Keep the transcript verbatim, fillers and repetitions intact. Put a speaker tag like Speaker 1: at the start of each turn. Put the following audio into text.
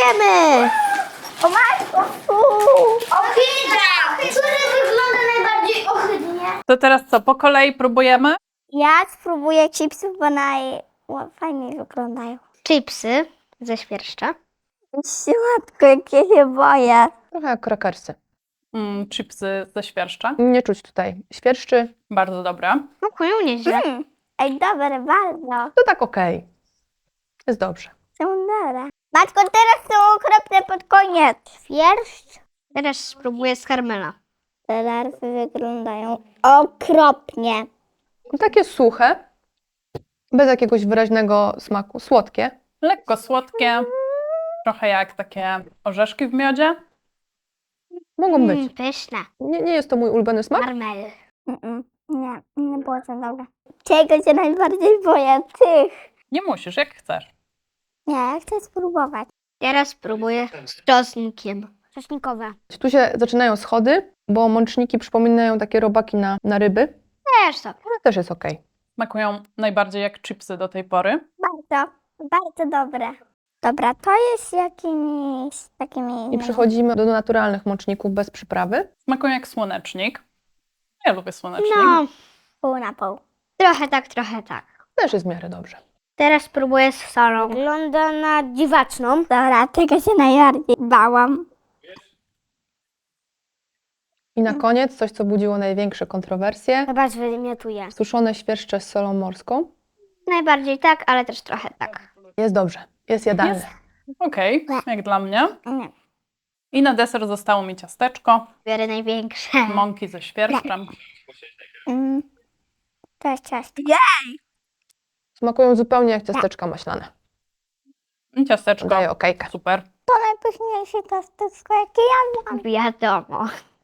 Speaker 1: próbujemy!
Speaker 2: O matko! Ohydra! Który wygląda najbardziej ohydnie?
Speaker 3: To teraz co, po kolei próbujemy?
Speaker 2: Ja spróbuję chipsów, bo naj... o, fajnie wyglądają.
Speaker 1: Chipsy ze świerszcza.
Speaker 2: Słodko, jak ja się boję.
Speaker 4: Trochę jak krakersy.
Speaker 3: Mm, chipsy ze świerszcza.
Speaker 4: Nie czuć tutaj świerszczy.
Speaker 3: Bardzo dobre.
Speaker 1: Smakują nieźle.
Speaker 2: Mm. Ej, dobre, bardzo.
Speaker 4: To tak okej. Jest dobrze.
Speaker 2: Są dobre. Matko, teraz są okropne pod koniec. Świerszcz.
Speaker 1: Teraz spróbuję z karmela.
Speaker 2: Te larwy wyglądają okropnie.
Speaker 4: No takie suche, bez jakiegoś wyraźnego smaku. Słodkie.
Speaker 3: Lekko słodkie. Trochę jak takie orzeszki w miodzie.
Speaker 4: Mogą być.
Speaker 1: Mm, pyszne.
Speaker 4: Nie, nie jest to mój ulubiony smak.
Speaker 1: Karmel.
Speaker 2: Mm-mm. Nie, nie było to dobre. Czego się najbardziej boję? Tych.
Speaker 3: Nie musisz, jak chcesz.
Speaker 2: Nie, ja chcę spróbować.
Speaker 1: Teraz spróbuję z czosnkiem. Czosnkowe.
Speaker 4: Tu się zaczynają schody, bo mączniki przypominają takie robaki na, na ryby.
Speaker 1: Też to.
Speaker 4: Ale też jest okej.
Speaker 3: Smakują najbardziej jak chipsy do tej pory.
Speaker 2: Bardzo, bardzo dobre. Dobra, to jest jakimiś takimi...
Speaker 4: I przechodzimy do naturalnych mączników bez przyprawy.
Speaker 3: Smakują jak słonecznik. Ja lubię słonecznik.
Speaker 1: No,
Speaker 2: Pół na pół.
Speaker 1: trochę tak, trochę tak.
Speaker 4: Też jest w miarę dobrze.
Speaker 1: Teraz spróbuję z solą. Wygląda na dziwaczną.
Speaker 2: Dobra, tego się najbardziej bałam.
Speaker 4: I na koniec coś, co budziło największe kontrowersje.
Speaker 1: Chyba zwymiotuję.
Speaker 4: Suszone świerszcze z solą morską.
Speaker 1: Najbardziej tak, ale też trochę tak.
Speaker 4: Jest dobrze. Jest jadalne.
Speaker 3: Jest. Okej, jak dla mnie.
Speaker 2: Nie.
Speaker 3: I na deser zostało mi ciasteczko,
Speaker 1: Biorę największe.
Speaker 3: mąki ze świerszczem.
Speaker 2: Mm. To jest ciasto.
Speaker 4: Smakują zupełnie jak ciasteczka maślane.
Speaker 3: I ciasteczko.
Speaker 4: Daję okejkę.
Speaker 3: Super.
Speaker 2: To najpyszniejsze ciasteczko, jakie jadłam.
Speaker 1: Wiadomo.